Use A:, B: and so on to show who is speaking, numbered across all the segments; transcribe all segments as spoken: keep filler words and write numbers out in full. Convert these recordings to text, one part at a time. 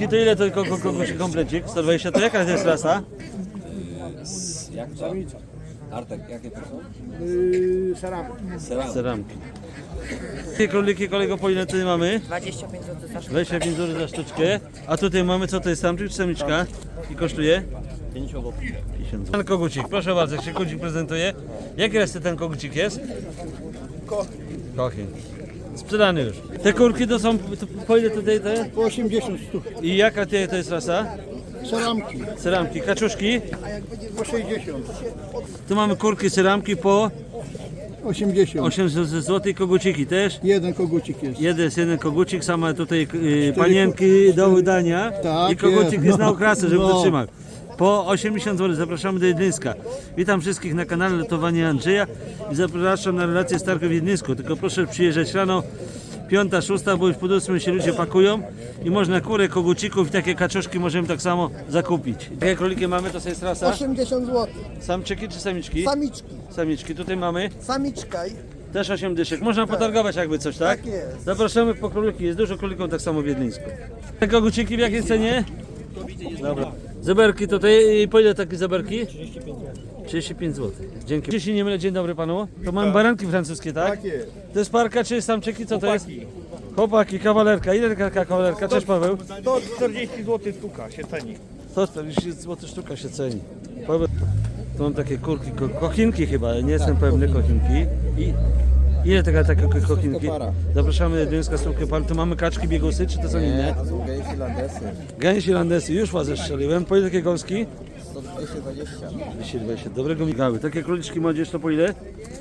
A: To ile to ko- ko- kogoś komplecik? sto dwadzieścia to jaka to jest rasa?
B: Jak to? Artek, jakie to są?
C: Yy, Saramki.
B: Seram.
A: Ceramki. Jakie króliki kolego po ile tutaj mamy?
D: dwadzieścia pięć złotych za sztukę.
A: dwadzieścia pięć złotych za sztuczkę. A tutaj mamy co to jest samczyk czy samiczka? I kosztuje?
B: pięćdziesiąt złotych.
A: pięćdziesiąt złotych. Ten kogucik, proszę bardzo, jak się kogucik prezentuje. Jaki raz ten kogucik jest? Kochin. Sprzedany już. Te kurki to są, to po ile tutaj te?
C: Po osiemdziesiąt sztuk.
A: I jaka to to jest rasa?
C: Saramki.
A: Ceramki, kaczuszki.
C: Po sześćdziesiąt.
A: Tu mamy kurki, ceramki po
C: osiemdziesiąt.
A: osiemdziesiąt złotych, koguciki też.
C: Jeden kogucik jest.
A: Jeden jest jeden kogucik, same tutaj y, panienki do wydania.
C: Tak
A: I kogucik
C: jest,
A: jest
C: no.
A: na okrasę, żeby
C: No.
A: to trzymał. Po osiemdziesiąt złotych zapraszamy do Wiedlińska. Witam wszystkich na kanale Lotowanie Andrzeja i zapraszam na relację z targu w Wiedlińsku. Tylko proszę przyjeżdżać rano, piąta, szósta, bo już po ósmej się ludzie pakują i można kurę, kogucików i takie kaczuszki możemy tak samo zakupić. Jakie króliki mamy, to jest rasa?
C: osiemdziesiąt złotych.
A: Samczyki czy samiczki?
C: Samiczki.
A: Samiczki. Tutaj mamy
C: Samiczka.
A: też osiem dyszek. Można potargować jakby coś, tak?
C: Tak jest.
A: Zapraszamy po króliki. Jest dużo królików tak samo w Wiedlińsku. Te koguciki w jakiej cenie? Dobra. Zeberki tutaj. I po ile takie zeberki? trzydzieści pięć złotych. Dzięki. Jeśli nie mylę, dzień dobry panu. To mamy baranki francuskie, tak?
C: Tak jest.
A: To jest parka czy samczyki? Co to jest? Chłopaki, kawalerka. Ile taka kawalerka? Cześć Paweł.
C: To czterdzieści złotych sztuka się ceni.
A: sto czterdzieści złotych sztuka się ceni. Paweł. Tu mam takie kurki, ko kochinki chyba, nie jestem pewny, kochinki. I ile taka, takie ko- kochinki?
B: para.
A: Zapraszamy do Wiedlińska Stówkę Par. Tu mamy kaczki, biegusy, czy to są inne?
B: To są gejsi landesy.
A: Gęsi landesy, już was zestrzeliłem. Po ile takie gąski?
B: sto dwieście dwadzieścia.
A: dwieście dwadzieścia. Dobrego migały. Takie króliczki młodzież to po ile?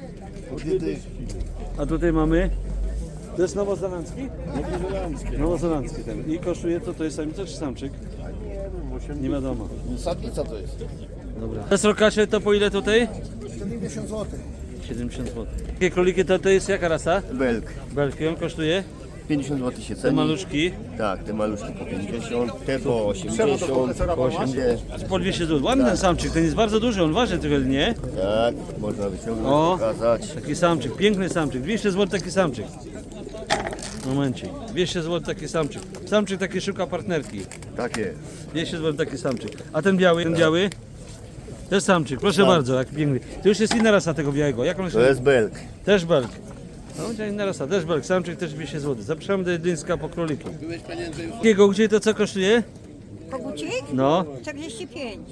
A: A tutaj mamy... To jest nowozelandzki? Nowozelandzki. Nowozelandzki ten. I kosztuje to, to jest samica czy samczyk? Nie wiadomo.
B: Sadnica to jest.
A: Dobra. Te srokacze to po ile tutaj?
C: siedemdziesiąt złotych.
A: siedemdziesiąt złotych. Takie króliki to, to jest jaka rasa?
E: Belk.
A: Belki, on kosztuje?
E: pięćdziesiąt złotych się
A: Te
E: ceni.
A: maluszki
E: Tak, te maluszki po pięćdziesiąt, te po osiemdziesiąt, po osiemdziesiąt.
A: po dwieście złotych. Ładny ten samczyk, ten jest bardzo duży, on waży trochę, nie?
E: Tak, można wyciągnąć,
A: O.
E: pokazać.
A: Taki samczyk, piękny samczyk, dwieście złotych taki samczyk. Momencik, dwieście złotych taki samczyk. Samczyk taki szuka partnerki.
E: Tak jest.
A: dwieście złotych taki samczyk. A ten biały, ten biały? To jest samczyk, proszę bardzo, jak piękny. To już jest inna rasa tego białego. Jak on się
E: To jest belk.
A: Też belk. No, to inna rasa, też belk, samczyk też dwieście złotych. Zapraszamy do Wiedlińska po króliki. Jakiego, gdzie to co kosztuje?
D: Kogucik?
A: No.
D: czterdzieści pięć.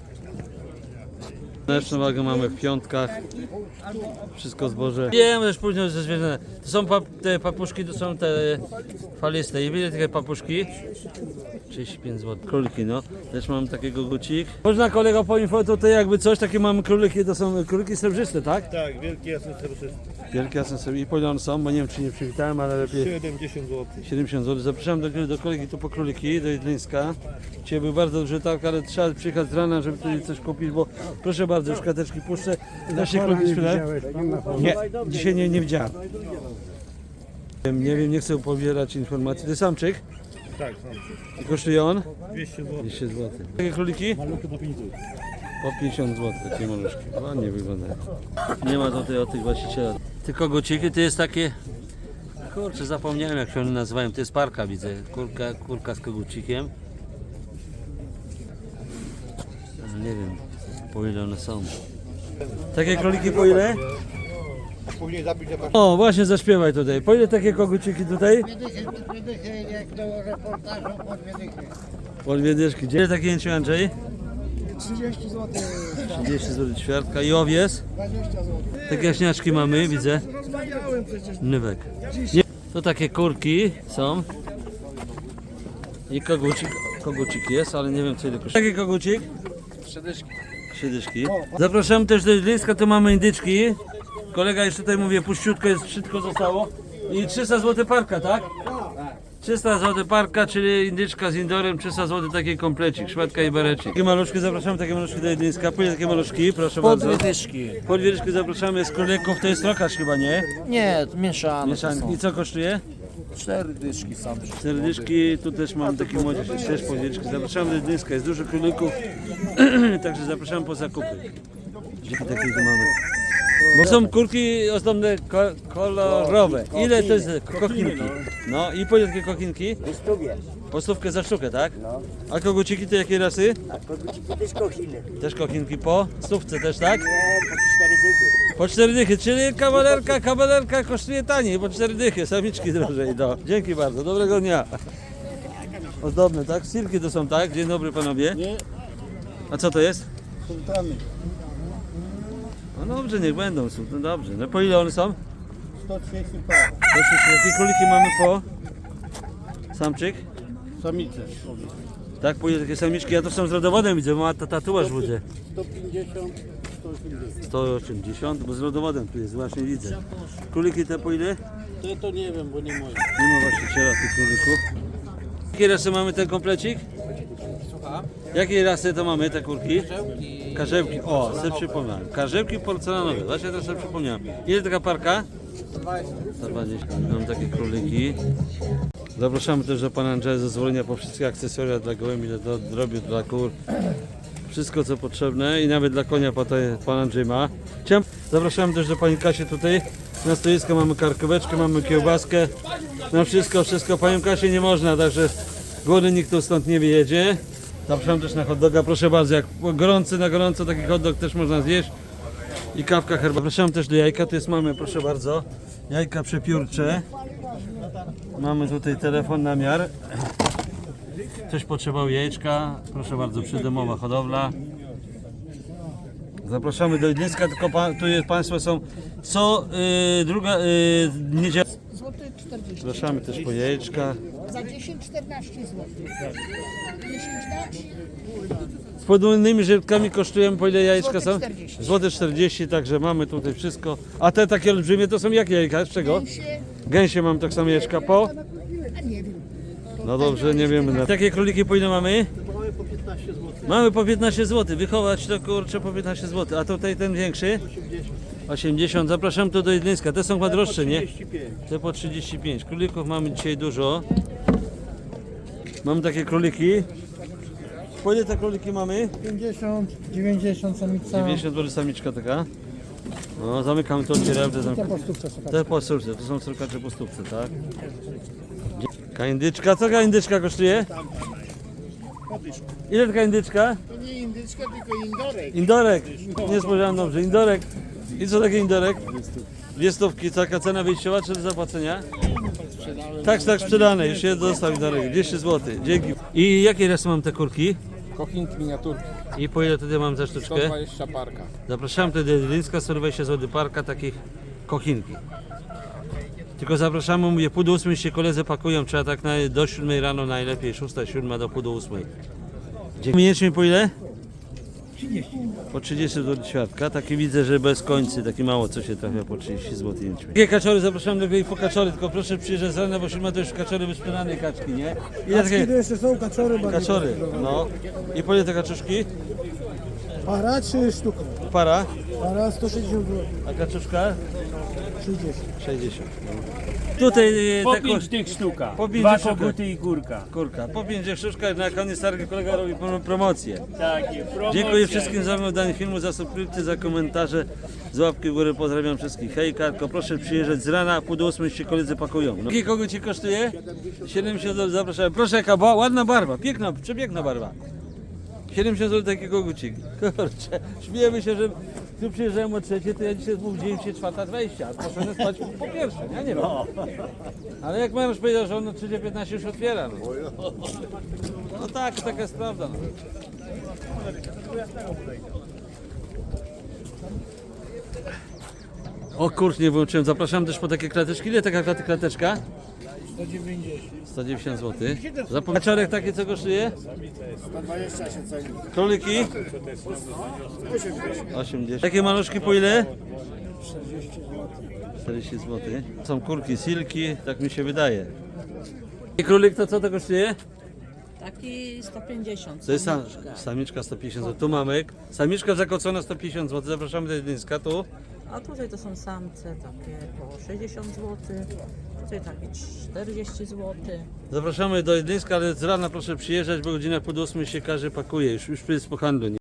A: Mleczną wagę mamy w piątkach. Wszystko zboże. Wiem, też później ze zwierzęta. To są pap te papuszki, to są te faliste. I wiele takie papuszki? trzydzieści pięć złotych. Króliki, no. Też mam takiego gucik. Można kolego poinfo tutaj jakby coś, takie mamy króliki, to są króliki srebrzyste, tak?
C: Tak, wielkie jasne serce.
A: Wielkie jasne sobie. I po ile one są, bo nie wiem czy nie przywitałem, ale lepiej.
C: siedemdziesiąt złotych.
A: siedemdziesiąt złotych. Zapraszam do, do kolegi tu po króliki, do Wiedlińska. Dzisiaj był bardzo duży targ, ale trzeba przyjechać z rana, żeby tutaj coś kupić, bo proszę bardzo, już karteczki puszczę. Da się króliki sprzedać? Nie, dzisiaj nie, nie widziałem. Nie wiem, nie chcę pobierać informacji. To jest samczyk?
C: Tak, są.
A: I kosztuje on?
C: dwieście złotych.
A: dwieście złotych. Takie króliki?
C: Maluchy po pięć złotych.
A: Po pięćdziesiąt złotych takie maluszki. Ładnie wyglądają. Nie ma tutaj o tych właściciela. Te koguciki to jest takie... Kurczę, zapomniałem jak się one nazywają. To jest parka, widzę. Kurka, kurka z kogucikiem. Ale nie wiem po ile one są. Takie króliki po ile?
C: Później zapisz, że
A: O, właśnie zaśpiewaj tutaj. Po ile takie koguciki tutaj?
C: jak do reportażu po dwie dychy.
A: Po dwie dyszki. Gdzie takie jęcie Andrzej?
C: trzydzieści złotych.
A: trzydzieści złotych ćwiartka. I owiec?
C: dwadzieścia złotych.
A: Takie jaśniaczki mamy, widzę.
C: Rozmawiałem przecież.
A: Nywek. Nie. To takie kurki są. I kogucik. Kogucik jest, ale nie wiem co ile kosztuje. Taki kogucik? Trzy dyszki. Zapraszam też do Wiedlińska, tu mamy indyczki. Kolega już tutaj mówię, puściutko jest, wszystko zostało. I trzysta złotych parka, tak? trzysta złotych parka, czyli indyczka z indorem, trzysta złotych taki komplecik, szmatka i berecik. Takie maluszki, zapraszamy takie maluszki do Wiedlińska. Po ile takie maluszki, proszę bardzo.
F: Po dwie dyszki.
A: Po dwie dyszki zapraszamy z królików, to jest trokacz chyba, nie?
F: Nie, mieszane.
A: Mieszanki. I co kosztuje?
F: Cztery dyszki sam.
A: Cztery dyszki, tu też mam taki młodzież, jest też po dwie dyszki. Zapraszamy do Wiedlińska, jest dużo królików, także zapraszamy po zakupy. Dzięki takiej tu mamy. Bo są kurki ozdobne ko kolorowe. Ile to jest kochinki? No i po ile takie kochinki?
G: Wystąpię.
A: Po stówkę za sztukę, tak?
G: No.
A: A koguciki to jakiej rasy?
G: A koguciki też kochiny.
A: Też kochinki po stówce też, tak?
G: Nie, po cztery dychy.
A: Po cztery dychy, czyli kawalerka, kawalerka kosztuje taniej, po cztery dychy, samiczki drożej, no. Dzięki bardzo, dobrego dnia. Ozdobne, tak? Silki to są, tak? Dzień dobry panowie.
C: Nie,
A: A co to jest?
C: sultany.
A: No dobrze, niech będą, są, no dobrze. No po ile one są?
C: sto trzydzieści par.
A: Proszę, jakie króliki mamy po? Samczyk?
C: Samice.
A: Tak, po ile takie samiczki? Ja to są z rodowodem widzę, ma ta tatuaż widzę.
C: sto pięćdziesiąt, sto osiemdziesiąt.
A: sto osiemdziesiąt, bo z rodowodem tu jest, właśnie widzę. Króliki te po ile?
C: To, to nie wiem, bo nie moje.
A: Nie ma właściciela tych królików. Jakie rasy mamy ten komplecik? Jakiej rasy to mamy te kurki? Karzełki. O, sobie przypomniałem. Karzełki porcelanowe. Właśnie teraz sobie przypomniałem. Ile taka parka? sto dwadzieścia. Mam takie króliki. Zapraszamy też do pana Andrzeja zezwolenia po wszystkie akcesoria dla gołębi, do drobiu, dla kur. Wszystko co potrzebne i nawet dla konia po to pan Andrzej ma. Chciałem- Zapraszamy też do pani Kasi tutaj. Na stoisko mamy karkóweczkę, mamy kiełbaskę. Na wszystko, wszystko. Panią Kasię nie można, także głodny nikt tu stąd nie wyjedzie. Zapraszam też na hot doga, proszę bardzo, jak gorący na gorąco taki hot dog też można zjeść. I kawka, herbata. Zapraszam też do jajka, tu jest mamy, proszę bardzo, jajka przepiórcze. Mamy tutaj telefon na miar. Ktoś potrzebował jajeczka, proszę bardzo, przydomowa hodowla. Zapraszamy do Idlińska, tylko pa, tu jest, Państwo są co yy, druga yy, niedziela.
H: Złoty czterdzieści.
A: Zapraszamy też po jajeczka.
H: Za dziesięć czternaście złotych. dziesięć dać?
A: Z podwójnymi żyłkami kosztują, po ile jajeczka są?
H: Złoty czterdzieści.
A: Złote czterdzieści, także mamy tutaj wszystko. A te takie olbrzymie to są jakie jajka? Z czego?
H: Się,
A: Gęsie mam tak samo jajeczka po?
H: a nie wiem.
A: No dobrze, nie wiemy. Takie króliki po ile mamy?
C: Mamy po piętnaście złotych.
A: Mamy po piętnaście złotych. Wychować to kurczę po piętnaście złotych. A tutaj ten większy? osiemdziesiąt. Zapraszam tu do Jedlińska. Te są chyba droższe, nie? Te po trzydzieści pięć. Królików mamy dzisiaj dużo. Mamy takie króliki. Po ile te króliki mamy?
C: pięćdziesiąt, dziewięćdziesiąt samica.
A: dziewięćdziesiąt złotych samiczka taka. No, zamykamy to, otwieramy te zamykamy.
C: Po stówce szukać.
A: Te po stówce, to są surkacze po stówce, tak? Taka indyczka, co taka indyczka kosztuje? Ile taka indyczka?
C: To nie indyczka, tylko indorek.
A: Indorek, nie spojrzałem dobrze, indorek. I co takie indorek? Dwie stówki, taka cena wyjściowa czy do zapłacenia? Tak, tak, sprzedane, już się dostał indorek, dwieście złotych, dzięki. I jakie rasy mam te kurki?
F: Kochinki miniaturki.
A: I po ile tutaj mam za sztuczkę?
F: sto dwadzieścia parka.
A: Zapraszam tutaj do Jedlińska, sto dwadzieścia złotych parka takich kochinki. Tylko zapraszamy, mówię, pół do ósmej się koledzy pakują, trzeba tak na, do siódmej rano najlepiej, szósta, siódma do pół do ósmej. Miesięcznie po ile? Po trzydzieści złotych świadka, taki widzę, że bez końcy, taki mało co się trafia po trzydzieści złotych. Jakie kaczory, zapraszam do i po kaczory, tylko proszę przyjeżdżać z rana, bo siódma to już kaczory wysprzedane kaczki, nie? Ile takie
C: To jeszcze są kaczory,
A: kaczory, no. I po ile te kaczuszki?
C: Para czy sztuka?
A: Para,
C: Para sto sześćdziesiąt złotych.
A: a kaczuszka?
C: trzydzieści.
A: sześćdziesiąt. Tutaj e,
I: Po
A: te
I: pięć
A: kosz-
I: tych sztuka.
A: Po pięć
I: Dwa
A: sztuka.
I: koguty i kurka.
A: Kurka, po pięć sztuczka, na koniec targi kolega robi pro- promocję.
I: Takie, promocja.
A: Dziękuję wszystkim za oglądanie filmu, za subskrypcję, za komentarze, z łapki w górę, pozdrawiam wszystkich. Hej Karko, proszę przyjeżdżać z rana, pół do ósmej się koledzy pakują. No. Jaki kogo ci kosztuje? siedemdziesiąt złotych, zapraszam. Proszę, jaka ba- ładna barwa, piękna, przepiękna barwa. siedemdziesiąt złotych taki kogucik. Kurczę, śmiejemy się, że tu przyjeżdżałem o trzeciej, to ja dzisiaj zbudziłem się czwarta dwadzieścia, a poszedłem spać po pierwsze, ja nie wiem. Ale jak męż powiedział, że on o trzecia piętnaście już otwiera. No, no tak, taka jest prawda. No. O kurcz, nie wyłączyłem. Zapraszam też po takie klateczki. Ile taka klaty klateczka?
C: sto dziewięćdziesiąt.
A: sto dziewięćdziesiąt złotych. Kaczorek taki co kosztuje?
C: sto dwadzieścia się ceni.
A: Króliki? osiemdziesiąt. Takie maluszki po ile? czterdzieści złotych. Są kurki, silki, tak mi się wydaje. I królik to co to kosztuje?
D: Taki sto pięćdziesiąt.
A: To jest sam,
D: samiczka.
A: samiczka sto pięćdziesiąt złotych. Tu mamy. Samiczka zakocona sto pięćdziesiąt złotych. Zapraszamy do Jedlińska. Tu
D: A tutaj to są samce takie po sześćdziesiąt złotych. Tutaj takie czterdzieści złotych.
A: zapraszamy do Jedlińska, ale z rana proszę przyjeżdżać, bo godzina pół do ósmej się każdy pakuje. Już, już jest po handlu. Nie?